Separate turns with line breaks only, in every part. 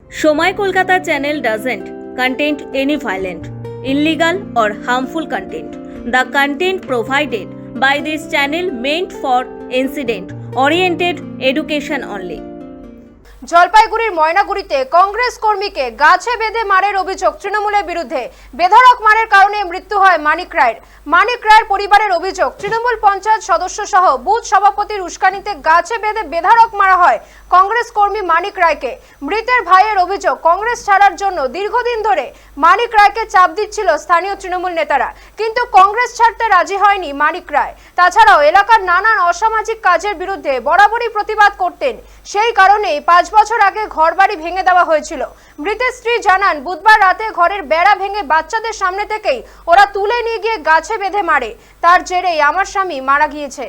Somai Kolkata channel doesn't contain any violent, illegal or harmful content. The content provided by this channel meant for incident-oriented education only.
জলপাইগুড়ির ময়নাগুড়িতে কংগ্রেস কর্মীকে গাছে বেঁধে মারের অভিযোগ তৃণমূলের বিরুদ্ধে। বেধড়ক মারের কারণে মৃত্যু হয় মানিক রায়ের। মানিক রায়ের পরিবারের অভিযোগ, তৃণমূল পঞ্চায়েত সদস্য সহ বুথ সভাপতির উস্কানিতে গাছে বেঁধে বেধড়ক মারা হয় কংগ্রেস কর্মী মানিক রায়কে। মৃতের ভাইয়ের অভিযোগ, কংগ্রেস ছাড়ার জন্য দীর্ঘদিন ধরে মানিক রায়কে চাপ দিচ্ছিল স্থানীয় তৃণমূল নেতারা, কিন্তু কংগ্রেস ছাড়তে রাজি হয়নি মানিক রায়। তাছাড়াও এলাকার নানান অসামাজিক কাজের বিরুদ্ধে বরাবরই প্রতিবাদ করতেন, সেই কারণেই 5 বছর আগে ঘরবাড়ি ভেঙে দেওয়া হয়েছিল। মৃতের স্ত্রী জানান, বুধবার রাতে ঘরের বেড়া ভেঙে বাচ্চাদের সামনে থেকেই ওরা তুলে নিয়ে গিয়ে গাছে বেঁধে মারে। তার জেরেই আমার স্বামী মারা গিয়েছে।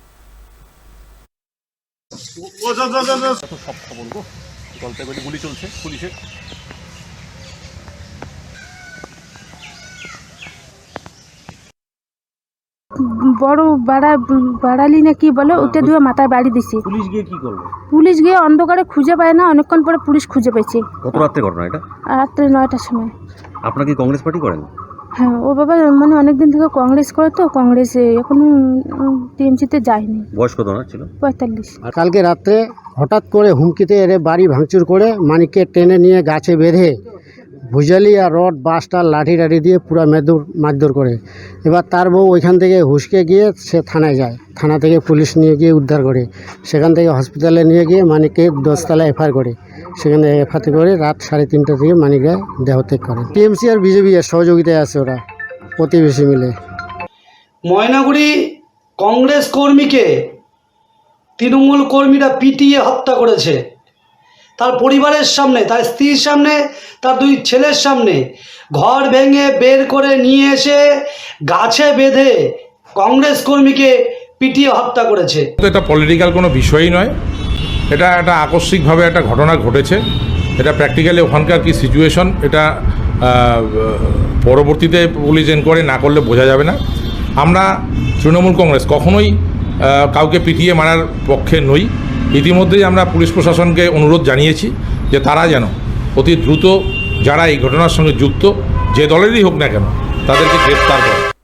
গুলি চলছে পুলিশের।
বড় বাড়ালি না কি বলে, ওটা দিয়ে মাথায় বাড়ি দিছে।
পুলিশ গিয়ে কি করলো?
পুলিশ গিয়ে অন্ধকারে খুঁজে পায় না, অনেকক্ষণ পরে পুলিশ খুঁজে পেয়েছে।
কত রাত্রে ঘটনা এটা?
রাত্রে 9টার সময়।
আপনারা কি কংগ্রেস পার্টি করেন?
হ্যাঁ, ও বাবা মানে অনেকদিন থেকে কংগ্রেস করে, তো কংগ্রেসে এখনো টিএমসিতে যায়নি।
বয়স কত না ছিল?
45।
আর কালকে রাত্রে হঠাৎ করে হুমকিতে এরে বাড়ি ভাঙচুর করে মানিককে টেনে নিয়ে গাছে বেঁধে ভুজালি আর রড বাসটার লাঠি টাঠি দিয়ে পুরো মারধর করে। এবার তার বউ ওইখান থেকে হুসকে গিয়ে সে থানায় যায়, থানা থেকে পুলিশ নিয়ে গিয়ে উদ্ধার করে, সেখান থেকে হসপিটালে নিয়ে গিয়ে মানিককে 10তলায় এফআইআর করে, সেখানে এফআইআর করে রাত 3:30 থেকে মানিক রায় দেহত্যাগ করে। টিএমসি আর বিজেপি এর সহযোগিতায় আছে ওরা প্রতিবেশী মিলে।
ময়নাগুড়ি কংগ্রেস কর্মীকে তৃণমূল কর্মীরা পিটিয়ে হত্যা করেছে, তার পরিবারের সামনে, তার স্ত্রীর সামনে, তার 2 ছেলের সামনে। ঘর ভেঙে বের করে নিয়ে এসে গাছে বেঁধে কংগ্রেস কর্মীকে পিটিয়ে হত্যা করেছে।
এটা পলিটিক্যাল কোনো বিষয়ই নয়, এটা একটা আকস্মিকভাবে একটা ঘটনা ঘটেছে। এটা প্র্যাকটিক্যালি ওখানকার কি সিচুয়েশন, এটা পরবর্তীতে পুলিশ এনকোয়ারি না করলে বোঝা যাবে না। আমরা তৃণমূল কংগ্রেস কখনোই কাউকে পিটিয়ে মারার পক্ষে নই। ইতিমধ্যেই আমরা পুলিশ প্রশাসনকে অনুরোধ জানিয়েছি যে তারা যেন অতি দ্রুত যারা এই ঘটনার সঙ্গে যুক্ত, যে দলেরই হোক না কেন, তাদেরকে গ্রেফতার করে।